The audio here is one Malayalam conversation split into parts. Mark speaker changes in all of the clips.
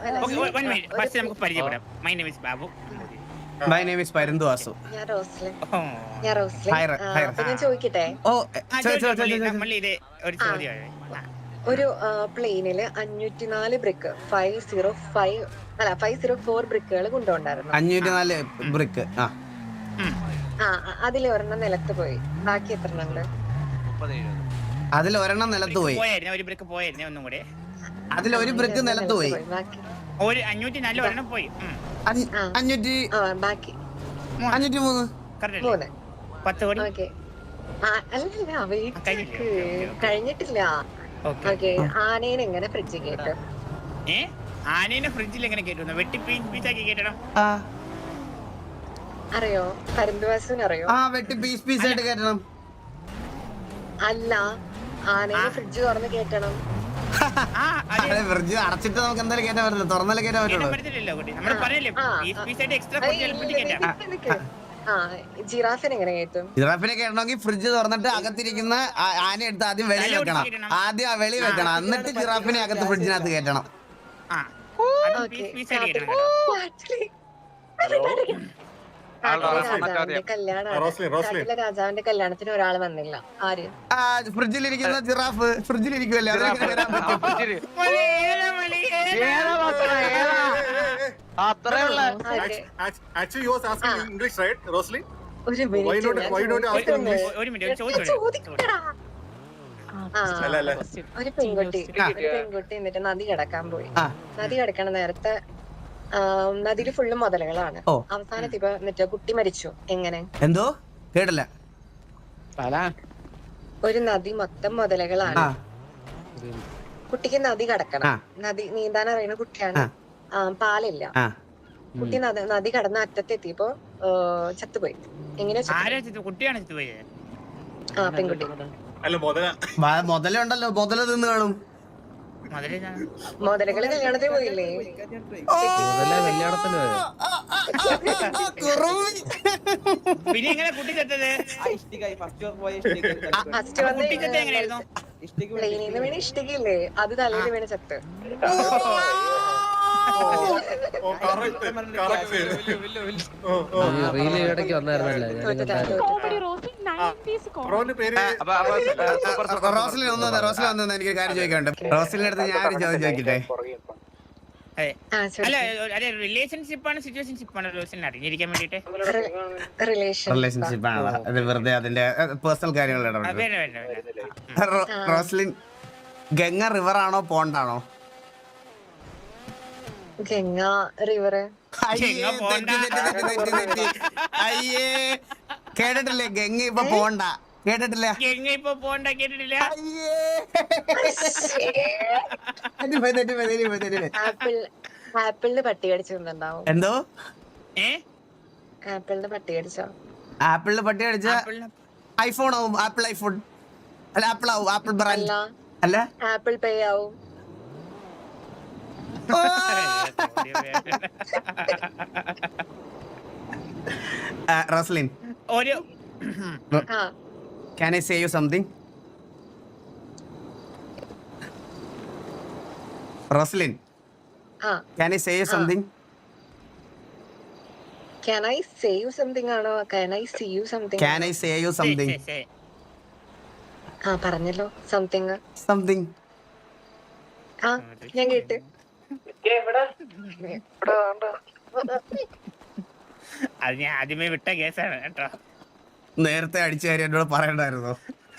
Speaker 1: Okay, 1 minute. First നമുക്ക് പരിചയപ്പെടാം. My name is Babu.
Speaker 2: My name is Parindu Asu.
Speaker 3: ഞാൻ റോസ്ലിൻ.
Speaker 1: Oh.
Speaker 3: ഞാൻ റോസ്ലിൻ.
Speaker 2: Hi, hi.
Speaker 3: അപ്പൊ ഞാൻ ചോദിക്കട്ടെ,
Speaker 1: മള്ളി ഇത് ഒരു ചോദ്യമാണ്.
Speaker 3: ഒരു പ്ലെയിനില് 504 ബ്രിക്ക് 504 ബ്രിക്കുകൾ കൊണ്ടുപോണ്ടായിരുന്നു.
Speaker 2: 504 ബ്രിക്ക്.
Speaker 3: അതിൽ ഒരെണ്ണം നിലത്ത് പോയി, ബാക്കി എത്ര ഉണ്ട്?
Speaker 2: അതിൽ ഒരെണ്ണം നിലത്ത് പോയി.
Speaker 1: ഒരു ബ്രിക്ക് പോയായിരുന്നു ഒന്നും കൂടെ.
Speaker 2: അതിൽ ഒരു ബ്രിക്ക് നിലത്ത് പോയി.
Speaker 3: ബാക്കി
Speaker 1: ഒരു 504 ഒരെണ്ണം പോയി.
Speaker 2: 503.
Speaker 1: കറക്റ്റ് 10 കോടി.
Speaker 3: ഓക്കെ, അല്ലല്ല വെയിറ്റ് കഴിഞ്ഞിട്ടില്ല. ഓക്കെ, ആനേനെ എങ്ങനെ ഫ്രിഡ്ജിൽ കേട്ടു?
Speaker 1: ആനേനെ ഫ്രിഡ്ജിൽ എങ്ങനെ കേട്ടു? വെട്ടി പീസാക്കി കേട്ടണം.
Speaker 3: അറിയോ? പരന്തുവാസുവിന് അറിയോ?
Speaker 2: വെട്ടി പീസ് ആയിട്ട് കേട്ടണം.
Speaker 3: അല്ല, ആനേനെ ഫ്രിഡ്ജ് തുറന്ന് കേട്ടണം.
Speaker 2: ഫ്രിഡ്ജ് അടച്ചിട്ട് നമുക്ക് എന്തായാലും കേട്ടാൻ പറ്റില്ല, തുറന്നാലേ കേട്ടാൻ പറ്റുള്ളൂ.
Speaker 3: ജിറാഫിനെ എങ്ങനെ കേട്ടും?
Speaker 2: ജിറാഫിനെ കേട്ടണമെങ്കിൽ ഫ്രിഡ്ജ് തുറന്നിട്ട് അകത്തിരിക്കുന്ന ആന എടുത്ത് ആദ്യം വെളി വെക്കണം. ആദ്യം ആ വെളി വെക്കണം, എന്നിട്ട് ജിറാഫിനെ അകത്ത് ഫ്രിഡ്ജിനകത്ത് കേട്ടണം.
Speaker 3: രാജാവിന്റെ കല്യാണത്തിന് ഒരാൾ വന്നില്ല. ആര്?
Speaker 2: ഫ്രിഡ്ജിലിരിക്കുന്ന ജിറാഫ് ഫ്രിഡ്ജിലിരിക്കുമല്ലേ,
Speaker 3: ഒരു പെൺകുട്ടി എന്നിട്ട് നദി കിടക്കാൻ പോയി. നദി കിടക്കണ നേരത്തെ നദിയില് ഫുള്ള് മുതലകളാണ്. അവസാനത്ത് ഇപ്പൊ എന്നിട്ട് കുട്ടി മരിച്ചു. എങ്ങനെ?
Speaker 2: എന്തോ കേട്ടില്ല.
Speaker 3: ഒരു നദി മൊത്തം മുതലകളാണ്. കുട്ടിക്ക് നദി കടക്കണം, നദി നീന്താൻ അറിയുന്ന കുട്ടിയാണ്. പാലില്ല. കുട്ടി നദി കടന്ന അറ്റത്തെത്തിയപ്പോ ചത്തുപോയി. എങ്ങനെയാ? പെൺകുട്ടി.
Speaker 2: മുതലുണ്ടല്ലോ, മുതല തിന്ന് കാണും.
Speaker 3: മുതലകള് കല്യാണത്തിന് പോയില്ലേ?
Speaker 1: പിന്നെ എങ്ങനെ കുട്ടി ചത്തത്?
Speaker 3: ഫസ്റ്റ് വന്ന് പ്ലെയിനിന്ന് വീണ് ഇഷ്ടികയില്ലേ, അത് തലയിൽ വീണ് ചത്ത്.
Speaker 2: റോസ്ലിൻ ഒന്നും എനിക്ക് കാര്യം ചോദിക്കാനുണ്ട്. റോസ്ലിന്റെ അടുത്ത് ഞാൻ ഒരു ചോദ്യം ചോദിക്കട്ടെ.
Speaker 1: റിലേഷൻഷിപ്പ് ആണ് സിറ്റുവേഷൻഷിപ്പ് ആണ് റോസ്ലിൻ അറിഞ്ഞിരിക്കാൻ വേണ്ടിട്ട്?
Speaker 2: റിലേഷൻഷിപ്പ് ആണ്, അത് വെറുതെ അതിന്റെ പേഴ്സണൽ കാര്യങ്ങൾ. റോസ്ലിൻ, ഗംഗ റിവർ ആണോ പോണ്ടാണോ?
Speaker 3: ഗംഗ റിവർ.
Speaker 2: അയ്യേ, കേട്ടിട്ടില്ലേ? ഗംഗ ഇപ്പൊ പോണ്ട കേട്ടിട്ടില്ല.
Speaker 3: ആപ്പിളിന് പട്ടി കടിച്ചിട്ടുണ്ടാവും.
Speaker 2: എന്തോ?
Speaker 3: ആപ്പിളിന് പട്ടി കടിച്ചോ?
Speaker 2: ആപ്പിളിന് പട്ടി കടിച്ച ഐഫോൺ ആവും. ആപ്പിൾ ഐഫോൺ അല്ല, ആപ്പിൾ ആവും. ആപ്പിൾ ബ്രാൻഡ് അല്ല,
Speaker 3: ആപ്പിൾ പേ ആവും.
Speaker 2: Roslin, can I say you something? Roslyn, can I say you something?
Speaker 3: Can I say you something ആണോ? Can I see you something?
Speaker 2: Can I say you something?
Speaker 3: പറഞ്ഞല്ലോ സംതിങ്.
Speaker 2: Something.
Speaker 3: ഞാൻ കേട്ട്.
Speaker 1: അത് ഞാൻ ആദ്യമേ വിട്ട കേസാണ് കേട്ടോ.
Speaker 2: നേരത്തെ അടിച്ചു കാര്യം എന്നോട് പറയണ്ടായിരുന്നോ?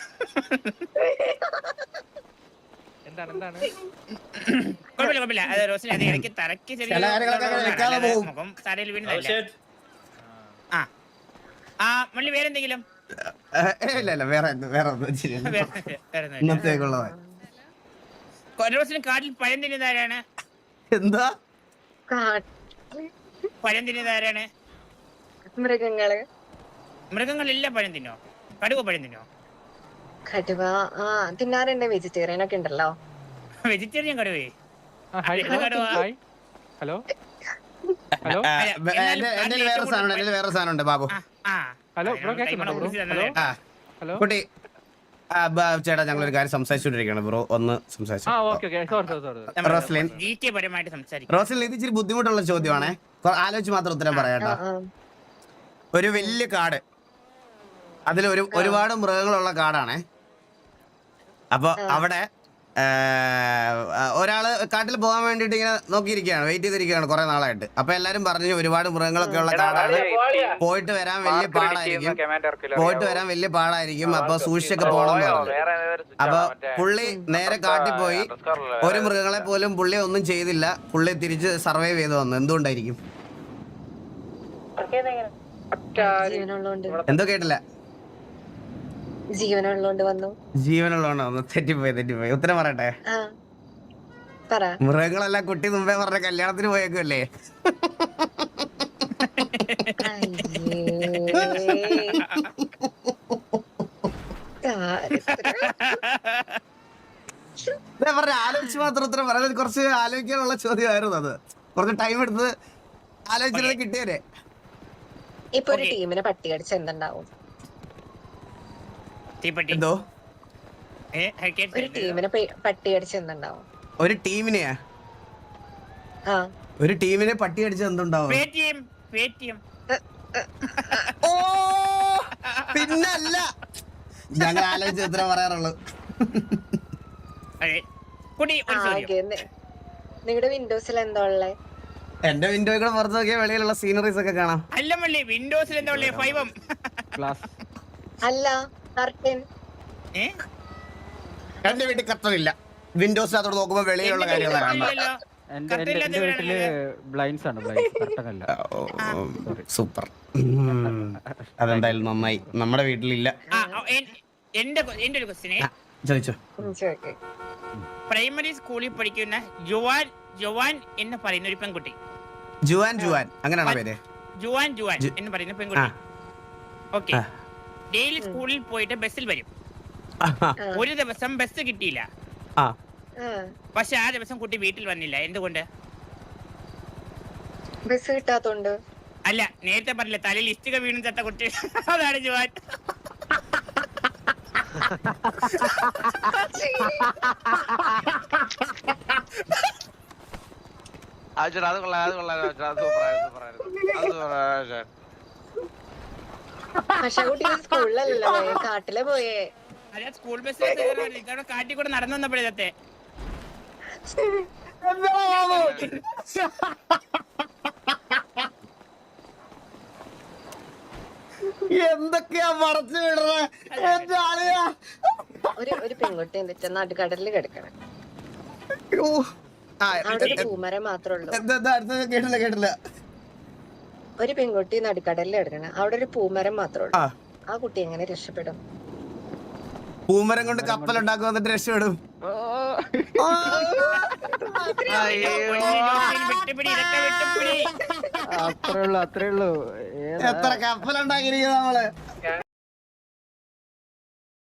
Speaker 1: കുഴപ്പമില്ല. അത് റോസിന് അത് ഇടയ്ക്ക് തറയ്ക്ക് മുഖം തറയിൽ വീണതല്ല. മള്ളി വേറെന്തെങ്കിലും?
Speaker 2: ഇല്ല, വേറെ ഇന്നത്തേക്കുള്ളതാ.
Speaker 1: റോസിന് കാട്ടിൽ പഴം തിന്നുന്നതാരാണ്?
Speaker 2: എന്താ
Speaker 1: പഴം തിന്നുന്നതാരാണ്? മൃഗങ്ങളെല്ലാം പഴം തിന്നോ? കടുവ പഴം തിന്നോ?
Speaker 3: കടുവ തിന്നാറുണ്ട്. വെജിറ്റേറിയൻ ഒക്കെ ഉണ്ടല്ലോ.
Speaker 1: വെജിറ്റേറിയൻ കടുവേ?
Speaker 4: ഹലോ,
Speaker 2: എന്റെ വേറെ സാധനം ഉണ്ട് ബാബു.
Speaker 4: ഹലോ ബ്രോ,
Speaker 2: കുട്ടി ചേട്ടാ ഞങ്ങൾ ഒരു കാര്യം സംസാരിച്ചുകൊണ്ടിരിക്കുകയാണ് ബ്രോ, ഒന്ന് സംസാരിച്ചു. റോസ്ലിൻ
Speaker 1: പരമായിട്ട് സംസാരിക്കും.
Speaker 2: റോസ്ലിൻ ഇത് ഇച്ചിരി ബുദ്ധിമുട്ടുള്ള ചോദ്യമാണേ, ആലോചിച്ച് മാത്രം ഉത്തരം പറയാട്ടോ. ഒരു വലിയ കാട്, അതിൽ ഒരുപാട് മൃഗങ്ങളുള്ള കാടാണേ. അപ്പൊ അവിടെ ഒരാള് കാട്ടിൽ പോകാൻ വേണ്ടിട്ട് ഇങ്ങനെ നോക്കിയിരിക്കുകയാണ്, വെയിറ്റ് ചെയ്തിരിക്കുകയാണ് കുറെ നാളായിട്ട്. അപ്പൊ എല്ലാരും പറഞ്ഞു ഒരുപാട് മൃഗങ്ങളൊക്കെ ഉള്ള കാടാണ്, പോയിട്ട് വരാൻ വലിയ പാടായിരിക്കും, അപ്പൊ സൂക്ഷിച്ചൊക്കെ പോകണം എന്ന് പറഞ്ഞു. അപ്പൊ പുള്ളി നേരെ കാട്ടിൽ പോയി, ഒരു മൃഗങ്ങളെ പോലും പുള്ളി ഒന്നും ചെയ്തില്ല, പുള്ളി തിരിച്ച് സർവൈവ് ചെയ്ത് വന്നു. എന്തുകൊണ്ടായിരിക്കും? എന്തോ കേട്ടില്ല. ജീവനുള്ളതുകൊണ്ട് വന്നു. തെറ്റിപ്പോയി. ഉത്തരം പറയട്ടെ? മൃഗങ്ങളെല്ലാം കുട്ടി മുമ്പേ പറഞ്ഞ കല്യാണത്തിന് പോയേക്കുമല്ലേ? ആലോചിച്ച് മാത്രം ഉത്തരം പറയാൻ, കുറച്ച് ആലോചിക്കാനുള്ള ചോദ്യമായിരുന്നു അത്. കുറച്ച് ടൈം എടുത്ത് ആലോചിച്ചിരുന്നത് കിട്ടിയേ.
Speaker 3: ഇപ്പൊ ഒരു ടീമിനെ പട്ടി അടിച്ച് എന്തുണ്ടാവും?
Speaker 2: എന്തോ
Speaker 3: ഒരു ടീമിനെ പട്ടി അടിച്ച് എന്തുണ്ടാവും?
Speaker 2: ഒരു ടീമിനെ പട്ടി അടിച്ച് എന്തുണ്ടാവും? ഓ പിന്നല്ല, ഞങ്ങൾ ആലോചിച്ച് ഉത്തരം പറയാറുള്ളൂ.
Speaker 3: നിങ്ങളുടെ വിൻഡോസിൽ എന്താ ഉള്ളേ?
Speaker 2: എന്റെ വിൻഡോയിൽ കൂടെ പുറത്ത് നോക്കിയാൽ വെളിയിലുള്ള സീനറീസ് ഒക്കെ കാണാം.
Speaker 1: വിൻഡോസിൽ എന്താ ഉള്ളേ?
Speaker 3: അല്ല, കർട്ടൻ.
Speaker 2: എന്റെ വീട്ടിൽ കർട്ടനില്ല, വിൻഡോസ് അതോട് നോക്കുമ്പോ വെളിയിലുള്ള കാര്യങ്ങളാണ്. സൂപ്പർ, അതെന്തായാലും നന്നായി. നമ്മുടെ വീട്ടിലില്ല.
Speaker 1: എന്റെ ഒരു ക്വസ്റ്റ്യനെ
Speaker 2: ചോദിച്ചോ.
Speaker 1: പ്രൈമറി സ്കൂളിൽ പഠിക്കുന്ന ജുവാൻ എന്ന് പറയുന്ന ഒരു പെൺകുട്ടി,
Speaker 2: ജുവാൻ അങ്ങനെയാണോ പേര്?
Speaker 1: ജുവാൻ എന്ന് പറയുന്ന പെൺകുട്ടി, ഓക്കെ, ഡെയിലി സ്കൂളിൽ പോയിട്ട് ബസ്സിൽ വരും. ഒരു ദിവസം ബസ് കിട്ടിയില്ല, പക്ഷെ ആ ദിവസം കുട്ടി വീട്ടിൽ വന്നില്ല. എന്തുകൊണ്ട്?
Speaker 3: ബസ് കിട്ടാത്തോണ്ട്.
Speaker 1: അല്ല, നേരത്തെ പറഞ്ഞില്ല തലയിൽ ഇഷ്ടിക വീണു ചത്ത കുട്ടി, അതാണ് ജുവാൻ.
Speaker 3: പക്ഷെ കുട്ടി സ്കൂളിലല്ലോ, കാട്ടിലെ പോയേ.
Speaker 1: അല്ല, സ്കൂൾ ബസ്സിൽ കാട്ടിൽ കൂടെ നടന്നു വന്നപ്പോഴത്തെ
Speaker 2: എന്തൊക്കെയാ മറച്ചു വിടുന്നത്?
Speaker 3: ഒരു പെൺകുട്ടി എന്നിട്ട് നടുക്കടലിൽ കിടക്കണം. അവിടെ ഒരു പൂമരം മാത്രമേ ഉള്ളൂ.
Speaker 2: കേട്ടില്ല.
Speaker 3: ഒരു പെൺകുട്ടി നടുക്കടലിൽ കിടക്കണം, അവിടെ ഒരു പൂമരം മാത്രമേ ഉള്ളൂ. ആ കുട്ടി എങ്ങനെ രക്ഷപ്പെടും?
Speaker 2: പൂമരം കൊണ്ട് കപ്പലുണ്ടാക്കും, എന്നിട്ട് രക്ഷപ്പെടും.
Speaker 4: അത്രേ ഉള്ളൂ.
Speaker 2: എത്ര കപ്പലുണ്ടാക്കിയിരിക്കുന്നത് നമ്മള്.